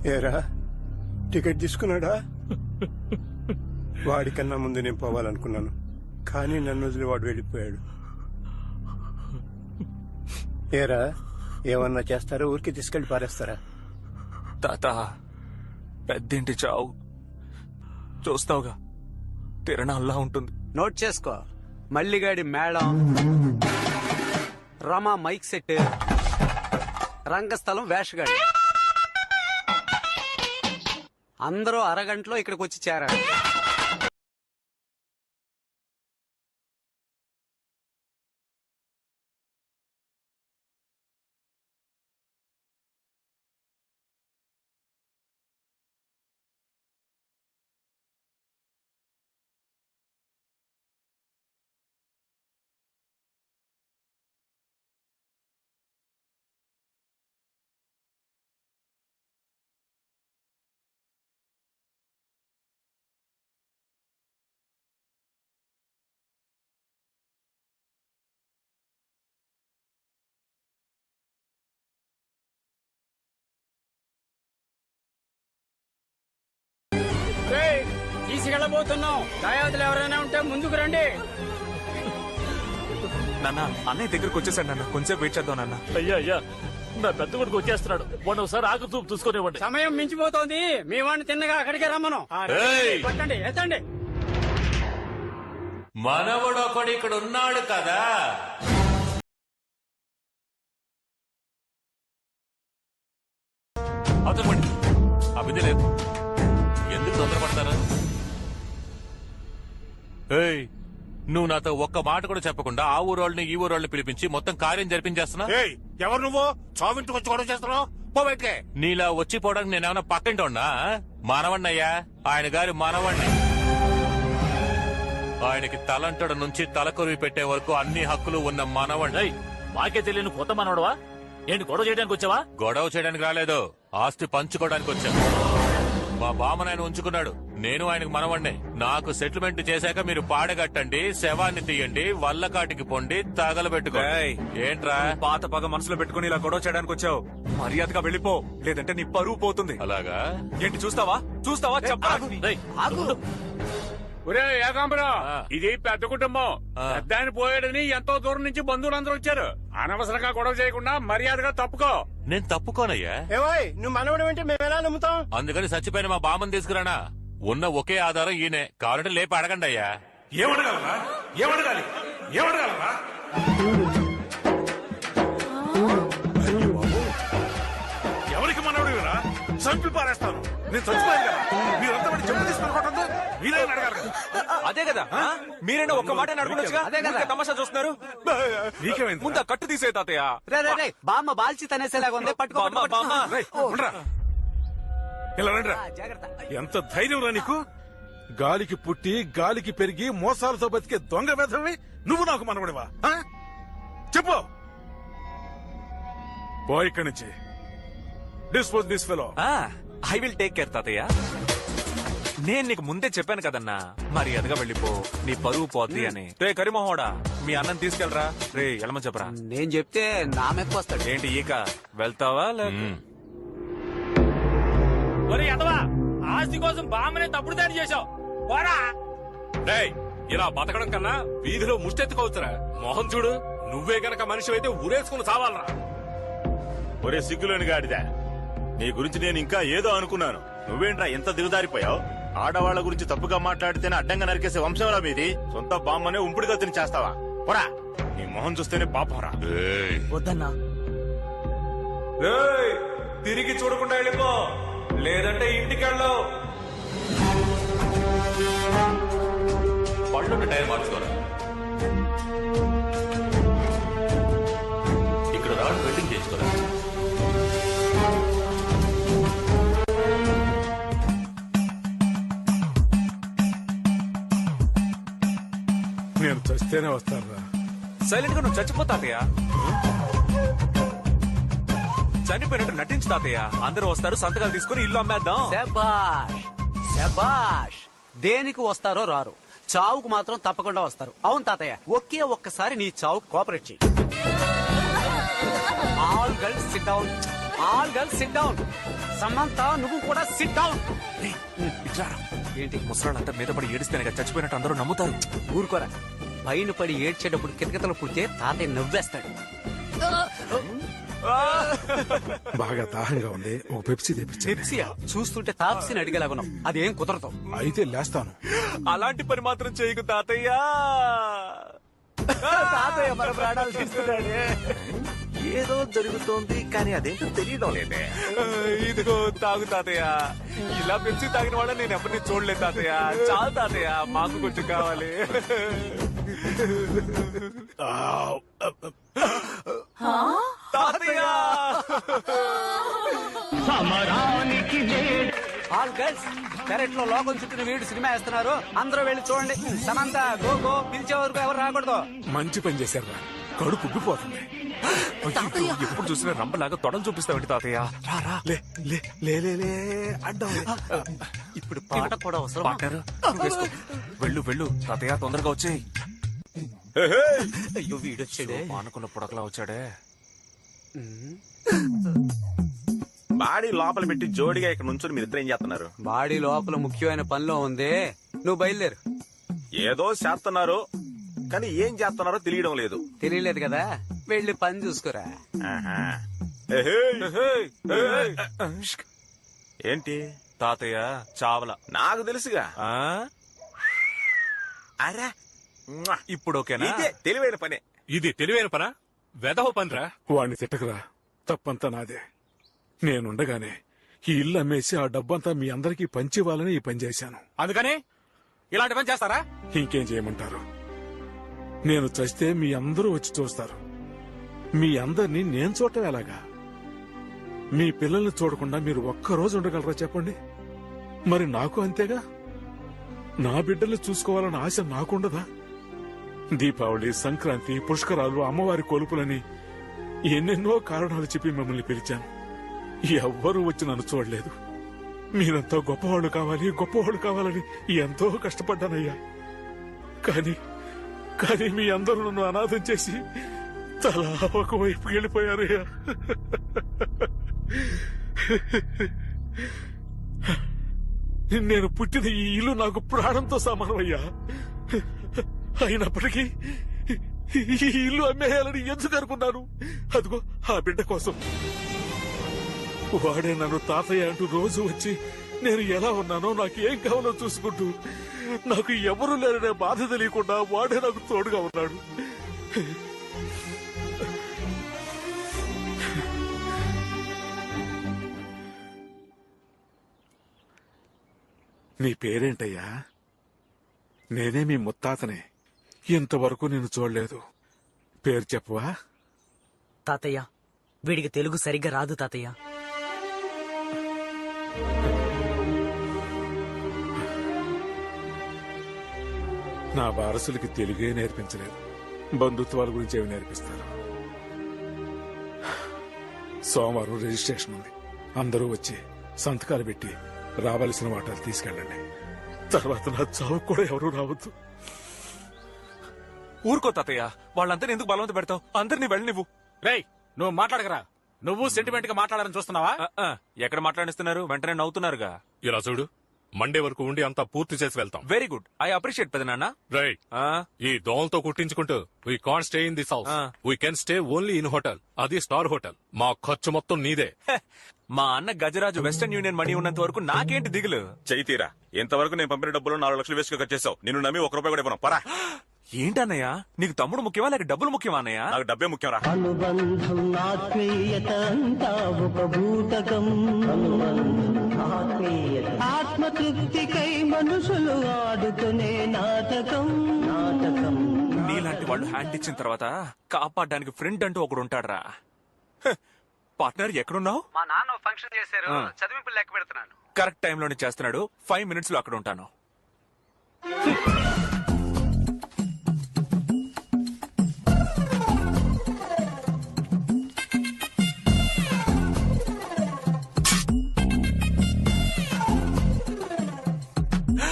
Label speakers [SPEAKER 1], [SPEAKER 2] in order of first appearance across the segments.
[SPEAKER 1] ఏరా టికెట్ తీసుకున్నాడా? వాడికన్నా ముందు నేను పోవాలనుకున్నాను, కానీ నన్ను వదిలి వాడు వెళ్ళిపోయాడు. ఏరా ఏమన్నా చేస్తారా? ఊరికి తీసుకెళ్లి పారేస్తారా?
[SPEAKER 2] తాత, పెద్దింటి చావు చూస్తావుగా, తిరణాల్లా ఉంటుంది.
[SPEAKER 3] నోట్ చేసుకో. మల్లిగాడి మేళం, రమా మైక్ సెట్, రంగస్థలం వేషగాడి, అందరూ అరగంటలో ఇక్కడికి వచ్చి చేరారు. తీసుకెళ్ళబోతున్నాం. దయావతులు ఎవరైనా ఉంటే ముందుకు రండి.
[SPEAKER 2] నాన్న, అన్నయ్య దగ్గరకు వచ్చేసాడు నాన్న, కొంచెం వెయిట్ చేద్దాం నాన్న.
[SPEAKER 4] అయ్యా అయ్యా, నా పెద్ద కొడుకు వచ్చేస్తున్నాడు. వాడు ఒకసారి ఆకు చూపు చూసుకునేవ్వండి.
[SPEAKER 3] సమయం మించిపోతోంది. మీ వాడిని తిన్నగా అక్కడికే రమ్మను. పట్టండి, ఎత్తండి.
[SPEAKER 5] మనవడు ఒకడు ఇక్కడ ఉన్నాడు కదా. అతను అభిధి లేదు, ఎందుకు తొందరపడతారా? నువ్వు నాతో ఒక్క మాట కూడా చెప్పకుండా ఆ ఊరోళ్ళని ఈ ఊరోళ్ళని పిలిపించి మొత్తం కార్యం జరిపించేస్తున్నా.
[SPEAKER 6] ఎవరు నువ్వు? చావింటికి వచ్చి గొడవ చేస్తున్నావు? పోబెట్లే.
[SPEAKER 5] నీలా వచ్చిపోవడానికి నేనేమన్నా పక్కింటి ఉన్నా? మనవణ్ణయ్యా, ఆయన గారి మనవణ్ణి. ఆయనకి తలంటడ నుంచి తలకొరివి పెట్టే వరకు అన్ని హక్కులు ఉన్న మనవణ్ణి.
[SPEAKER 4] మాకే తెలియని కొత్త మనవడవా? ఏంటి గొడవ చేయడానికి వచ్చావా?
[SPEAKER 5] గొడవ చేయడానికి రాలేదు, ఆస్తి పంచుకోవడానికి వచ్చా. మా బామ్మను ఆయన ఉంచుకున్నాడు, నేను ఆయనకు మనవణ్ణే. నాకు సెటిల్మెంట్ చేశాక మీరు పాడగట్టండి, శవాన్ని తీయండి, వల్లకాటికి పొండి, తగలబెట్టుకో. ఏంట్రా
[SPEAKER 2] పాత పగ మనసులో పెట్టుకుని ఇలా గొడవ చేయడానికి వచ్చావు? మర్యాదగా వెళ్ళిపో, లేదంటే నీ పరువు పోతుంది.
[SPEAKER 5] అలాగా?
[SPEAKER 2] ఏంటి చూస్తావా? చూస్తావా? చెప్పా.
[SPEAKER 6] ఒరే ఏకాంబరం, ఇది పెద్ద కుటుంబం. పెద్ద ఆయన పోయాడని ఎంతో దూరం నుంచి బంధువులందరూ వచ్చారు. అనవసరంగా గొడవ చేయకుండా మర్యాదగా తప్పుకో.
[SPEAKER 5] నేను తప్పుకోనయ్యా.
[SPEAKER 1] ఏవాయ్ నువ్వు మనవడం అంటే మేము ఎలా నమ్ముతాం?
[SPEAKER 5] అందుకని చచ్చిపోయిన మా బామ్మని తీసుకురానా? ఉన్న ఒకే ఆధారం ఈయనే, కావాలంటే లేపి అడగండి అయ్యా.
[SPEAKER 6] ఏమడగలరా? ఏమడగాలి? ఏమడగలరా? ఎవరికి మనవడిరా? చంపి పారేస్తాను. నేను చచ్చిపోయాను కదా, మీరంతా వాడి చెప్పు తీసుకుని మీరే అడగాలి.
[SPEAKER 2] అదే కదా, మీరైనా ఒక్క మాట అడుగునొచ్చుగా. అదే కదా తమాషా చూస్తున్నారు.
[SPEAKER 6] నీకేమైంది?
[SPEAKER 2] ముందు కట్టు తీసే తాతయ్య.
[SPEAKER 3] బామ్మ బాల్చి తనేసేలాగా ఉంది. పట్టుకో.
[SPEAKER 6] ఇలా రండిరా. ఎంత ధైర్యం రా నీకు? గాలికి పుట్టి గాలికి పెరిగి మోసాలతో బతికే దొంగ వేధవి నువ్వు నాకు మనవడివా? చెప్పు. పో ఇక్కడి నుంచి. Dispose this fellow.
[SPEAKER 2] I will take care తాతయ్య. నేను నీకు ముందే చెప్పాను కదన్నా, మర్యాదగా వెళ్ళిపో, నీ పరువు పోద్ది అని. రే కరిమోహోడా, మీ అన్నం తీసుకెళ్ళరా. రే ఎలమని చెప్పరా.
[SPEAKER 3] నేను చెప్తే నా మెప్పు వస్తాడు.
[SPEAKER 2] ఏంటి ఈక వెళ్తావా?
[SPEAKER 4] ఒరే ఎదవా, ఆస్తి కోసం బామ్మనే తప్పుడు దాడి చేశావు. పోరా.
[SPEAKER 6] ఇలా బతకడం కన్నా వీధిలో ముష్టెత్తుకోవచ్చురా. మోహన్ చూడు, నువ్వే గనక మనిషి అయితే ఊరేసుకుని చావాలరా.
[SPEAKER 7] ఒరే సిగ్గులేని గాడిదా, నీ గురించి నేను ఇంకా ఏదో అనుకున్నాను. నువ్వేంట్రా ఎంత దిగుదారిపోయావు? ఆడవాళ్ల గురించి తప్పుగా మాట్లాడితేనే అడ్డంగా నరికేసే వంశంలా మీది. సొంత బామ్మనే ఉంపుడుగా తిని చేస్తావా? పోరా, నీ మొహం చూస్తేనే పాపంరా.
[SPEAKER 3] వద్దన్నా.
[SPEAKER 2] తిరిగి చూడకుండా వెళ్ళిపో, లేదంటే ఇంటికి వెళ్ళవు.
[SPEAKER 5] పళ్ళుండి టైర్ మార్చుకోరా. ఇక్కడ రావడం వెల్డింగ్ చేసుకోరా.
[SPEAKER 6] నేను చస్తేనే వస్తారా?
[SPEAKER 2] సైలెంట్ గా నువ్వు చచ్చిపో తాతయ్య. చనిపోయినట్టు నటించు తాతయ్య. అందరూ వస్తారు, సంతకాలు తీసుకుని ఇల్లు అమ్మేద్దాం.
[SPEAKER 3] శబాష్ శబాష్. దేనికి వస్తారో రారు, చావుకు మాత్రం తప్పకుండా వస్తారు. అవును తాతయ్య, ఒకే ఒక్కసారి నీ చావుకు కోఆపరేట్ చేయి. All girls sit down. All girls sit down. Samantha నువ్వు కూడా సిట్ డౌన్.
[SPEAKER 2] ఏంటి ముసలాళ్ళంతా మీద పడి ఏడిస్తేనే కదా చచ్చిపోయినట్టు అందరూ నమ్ముతారు.
[SPEAKER 3] ఊరుకోరా. పైన పడి ఏడ్చేటప్పుడు కితకితలు పుడితే తాతయ్య నవ్వేస్తాడు.
[SPEAKER 6] బాగా దాహంగా ఉంది, ఒక పెప్సీ తెప్పించండి.
[SPEAKER 3] పెప్సియా? చూస్తుంటే తాప్సిని అడిగేలాగున్నాం. అదేం కుదరదు.
[SPEAKER 6] అయితే లేస్తాను.
[SPEAKER 2] అలాంటి పని మాత్రం చేయకు తాతయ్య.
[SPEAKER 3] తాతయ్య మన ప్రాణాలు తీస్తున్నాడే.
[SPEAKER 2] ఏదో జరుగుతోంది కానీ అదేంటో తెలియడం లేదే. ఇదిగో తాగు తాతయ్య. ఇలా పెంచి తాగిన వాళ్ళ నేను ఎవరిని చూడలేదు తాతయ్య. చాలు తాతయ్య, మాకు కొంచెం కావాలి. తాతయ్య
[SPEAKER 3] ఆల్ గర్ల్స్ పెరట్ లో లోకం చుట్టూ వీడు సినిమా వేస్తున్నారు. అందరూ వెళ్ళి చూడండి. సమంత గో గో, పిలిచే వరకు ఎవరు రాకూడదు.
[SPEAKER 6] మంచి పని చేశారు, కడుపు ఉబ్బిపోతుంది.
[SPEAKER 2] ఎప్పుడు చూసినా రంపలాగా తొడలు చూపిస్తావండి తాతయ్య. రారా.
[SPEAKER 6] లే లే లే లే లే అడ్డం.
[SPEAKER 3] ఇప్పుడు పాట కూడా అవసరం.
[SPEAKER 2] పార్ట్నర్, నువ్వు వేసుకో. వెళ్ళు వెళ్ళు తాతయ్య, తొందరగా వచ్చేయ్.
[SPEAKER 3] అయ్యో వీడొచ్చాడే.
[SPEAKER 2] మానుకున్న పుడకలా వచ్చాడే.
[SPEAKER 7] బాడీ లోపల పెట్టి జోడిగా ఇక్కడ నుంచుని మీరిద్దరు ఏం చేస్తున్నారు?
[SPEAKER 3] బాడీ లోపల ముఖ్యమైన పనిలో ఉంది. నువ్వు బయలుదేరు.
[SPEAKER 7] ఏదో చేస్తున్నారు కానీ ఏం చేస్తున్నారో తెలియడం లేదు.
[SPEAKER 3] తెలియలేదు కదా, వెళ్ళి పని చూసుకోరా.
[SPEAKER 7] ఆహా. ఏంటి
[SPEAKER 2] తాతయ్య చావల.
[SPEAKER 7] నాకు తెలుసుగా.
[SPEAKER 2] ఆ?
[SPEAKER 7] అరే
[SPEAKER 2] ఇప్పుడు ఓకేనా?
[SPEAKER 7] ఇదే తెలివైన పనే.
[SPEAKER 5] ఇది తెలివైన పనా? వెదవ పనిరా.
[SPEAKER 6] వాడిని తిట్టకురా, తప్పంతా నాదే. నేనుండగానే ఈ ఇల్లు అమ్మేసి ఆ డబ్బంతా మీ అందరికీ పంచివ్వాలని ఈ పని చేశాను.
[SPEAKER 4] అందుకని ఇలాంటి పని చేస్తారా?
[SPEAKER 6] ఇంకేం చేయమంటారు? నేను చస్తే మీ అందరూ వచ్చి చూస్తారు. మీ అందరినీ నేను చూడటం ఎలాగా? మీ పిల్లల్ని చూడకుండా మీరు ఒక్కరోజు ఉండగలరా చెప్పండి? మరి నాకు అంతేగా. నా బిడ్డల్ని చూసుకోవాలన్న ఆశ నాకుండదా? దీపావళి, సంక్రాంతి, పుష్కరాలు, అమ్మవారి కొలుపులని ఎన్నెన్నో కారణాలు చెప్పి మిమ్మల్ని పిలిచాను. ఎవ్వరూ వచ్చి నన్ను చూడలేదు. మీరంతా గొప్పవాళ్ళు కావాలి, గొప్పవాళ్ళు కావాలని ఎంతో కష్టపడ్డానయ్యా. కానీ కానీ మీ అందరూ నన్ను అనాథం చేసి తలా ఒకవైపు వెళ్ళిపోయారయ్యా. నేను పుట్టిన ఈ ఇల్లు నాకు ప్రాణంతో సమానమయ్యా. అయినప్పటికీ ఈ ఇల్లు అమ్మేయాలని ఎందుకు అనుకున్నాను? అదిగో ఆ బిడ్డ కోసం. వాడే నన్ను తాతయ్య అంటూ రోజు వచ్చి నేను ఎలా ఉన్నానో, నాకు ఏం కావాలో చూసుకుంటూ, నాకు ఎవరు లేరనే బాధ తెలియకుండా వాడే నాకు తోడుగా ఉన్నాడు. నీ పేరేంటయ్యా? నేనే మీ ముత్తాతనే. ఇంతవరకు నేను చూడలేదు. పేరు చెప్పవా?
[SPEAKER 8] తాతయ్య, వీడికి తెలుగు సరిగ్గా రాదు తాతయ్య.
[SPEAKER 6] నా వారసులకి తెలుగే నేర్పించలేదు, బంధుత్వాల గురించి ఏమి నేర్పిస్తారు? సోమవారం రిజిస్ట్రేషన్ ఉంది. అందరూ వచ్చి సంతకాలు పెట్టి రావాల్సిన వాటాలు తీసుకెళ్ళండి. తర్వాత నా చావు కూడా ఎవరూ రావద్దు.
[SPEAKER 2] ఊరుకో తాతయ్య, వాళ్ళంతా ఎందుకు బలవంత పెడతావు? అందరినీ వెళ్ళి నువ్వు.
[SPEAKER 4] రేయ్, నువ్వు మాట్లాడకరా. నువ్వు సెంటిమెంట్ గా మాట్లాడాలని చూస్తున్నావా?
[SPEAKER 2] ఎక్కడ మాట్లాడిస్తున్నారు? వెంటనే నవ్వుతున్నారుగా.
[SPEAKER 5] ఇలా చూడు, మండే వరకు ఉండి అంతా పూర్తి చేసి వెళ్తాం.
[SPEAKER 2] వెరీ గుడ్, ఐ అప్రిషియేట్ పెదనాన్న.
[SPEAKER 5] రైట్. ఈ దోమలతో కుట్టించుకుంటూ we can't stay in this house. We can stay only in hotel, అది స్టార్ హోటల్. మా ఖర్చు మొత్తం నీదే.
[SPEAKER 2] మా అన్న గజరాజు వెస్టర్న్ యూనియన్ మనీ ఉన్నంత వరకు నాకేంటి దిగులు?
[SPEAKER 7] చైతీరా, ఇంతవరకు నేను పంపిన డబ్బులు 4 లక్షలు వేసుకు ఖర్చేసావు. నిన్ను నమ్మి 1 రూపాయి కూడా ఇవ్వను. పరా.
[SPEAKER 2] ఏంటన్నయ్య, నీకు తమ్ముడు ముఖ్యమా లేక డబ్బులు ముఖ్యమా అన్నయ్య?
[SPEAKER 7] నాకు డబ్బే ముఖ్యం రా.
[SPEAKER 9] అనుబంధం ఆత్మీయత అంతా ఒక బూటకం. ఆత్మతృప్తికై మనుషులు ఆడుకునే నాటకం.
[SPEAKER 2] నీలాంటి వాళ్ళు హ్యాండ్ ఇచ్చిన తర్వాత కాపాడడానికి ఫ్రెండ్ అంటూ ఒకడు ఉంటాడ్రా. పార్ట్నర్ ఎక్కడున్నావు?
[SPEAKER 3] మా నాన్న ఫంక్షన్ చేశారు, చదివింపులు లెక్క పెడుతున్నాను.
[SPEAKER 2] కరెక్ట్ టైంలోనే చేస్తున్నాడు. 5 minutes లో అక్కడ ఉంటాను.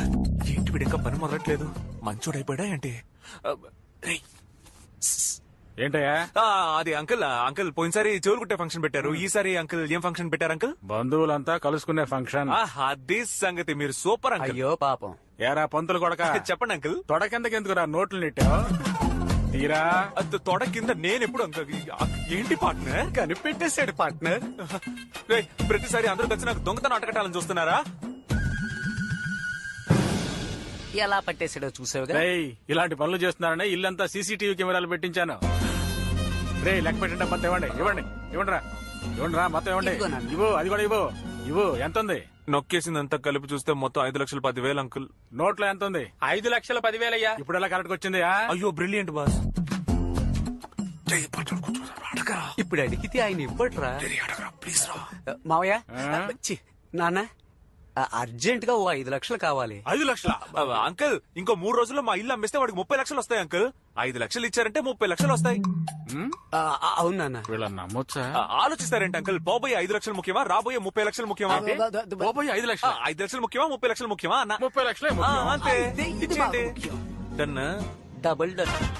[SPEAKER 2] ఏంటి వీడు ఇంకా పని మొదలట్లేదు? మంచోడైపోయాడా ఏంటి? రేయ్,
[SPEAKER 6] ఏంటయ్యా?
[SPEAKER 2] అది అంకుల్ అంకుల్ పోయినసారి చెవులు కుట్టే ఫంక్షన్ పెట్టారు, ఈసారి అంకుల్ ఏం ఫంక్షన్ పెట్టారు అంకుల్?
[SPEAKER 6] బంధువులంతా కలుసుకునే ఫంక్షన్.
[SPEAKER 2] అదే సంగతి, మీరు సూపర్ అంకుల్.
[SPEAKER 3] అయ్యో పాపం.
[SPEAKER 6] ఏరా పంతులు కొడక,
[SPEAKER 2] చెప్పండి అంకుల్.
[SPEAKER 6] తొడ కిందకెందుకురా నోట్లు నెట్టావు? తీరా
[SPEAKER 2] తొడ కింద నేను ఎప్పుడు అంకుల్? ఏంటి పార్ట్నర్?
[SPEAKER 3] కనిపెట్టేశాడు పార్ట్నర్.
[SPEAKER 2] రేయ్, ప్రతిసారి అందరూ కలిసి నాకు దొంగతనం అటకటాలని చూస్తున్నారా?
[SPEAKER 3] ఎలా పట్టేశాడో చూసావుగా.
[SPEAKER 6] రేయ్, ఇలాంటి పనులు చేస్తున్నారని ఇల్లంతా సీసీటీవీ కెమెరాలు పెట్టించాను. రే లెక్క పెట్టండి, మొత్తం ఇవ్వండి ఇవ్వండి ఇవ్వండి రా, ఇవ్వండి రా, మొత్తం ఇవ్వండి.
[SPEAKER 3] ఇదిగో నాన్న.
[SPEAKER 6] ఇవ్వు, అది కూడా ఇవ్వు. ఇవ్వు, ఎంత ఉంది?
[SPEAKER 2] నొక్కేసిందంతా కలిపి చూస్తే మొత్తం 5,10,000 అంకుల్.
[SPEAKER 6] నోట్లో ఎంత ఉంది?
[SPEAKER 4] 5,10,000 అయ్యా.
[SPEAKER 6] ఇప్పుడు ఎలా కరెక్ట్ వచ్చింది?
[SPEAKER 2] అయ్యో బ్రిలియంట్ బాస్.
[SPEAKER 3] ఇప్పుడు అడిగితే ఆయన ఇవ్వట్రా. మావయ్య, ఛీ, నాన్న, అర్జెంట్ గా ఓ 5 లక్షలు కావాలి.
[SPEAKER 6] 5 లక్షల?
[SPEAKER 2] అంకుల్, ఇంకో 3 రోజుల్లో మా ఇల్లు అమ్మేస్తే వాడికి 30 లక్షలు వస్తాయి అంకుల్. 5 లక్షలు ఇచ్చారంటే 30 లక్షలు వస్తాయి.
[SPEAKER 3] అవును నాన్న.
[SPEAKER 6] వీళ్ళని నమ్మొచ్చా?
[SPEAKER 2] ఆలోచిస్తారేంటి అంకుల్? పోబోయే 5 లక్షలు ముఖ్యమా, రాబోయే 30 లక్షలు ముఖ్యమా?
[SPEAKER 6] పోయి 5 లక్షలు?
[SPEAKER 2] 5 లక్షలు ముఖ్యమా, 30 లక్షలు ముఖ్యమా అన్న?
[SPEAKER 6] 30 లక్షలే
[SPEAKER 2] అంతే,
[SPEAKER 3] ఇది
[SPEAKER 2] ఇచ్చేయండి.
[SPEAKER 3] ముఖ్యం.
[SPEAKER 2] డన్.
[SPEAKER 3] Double done.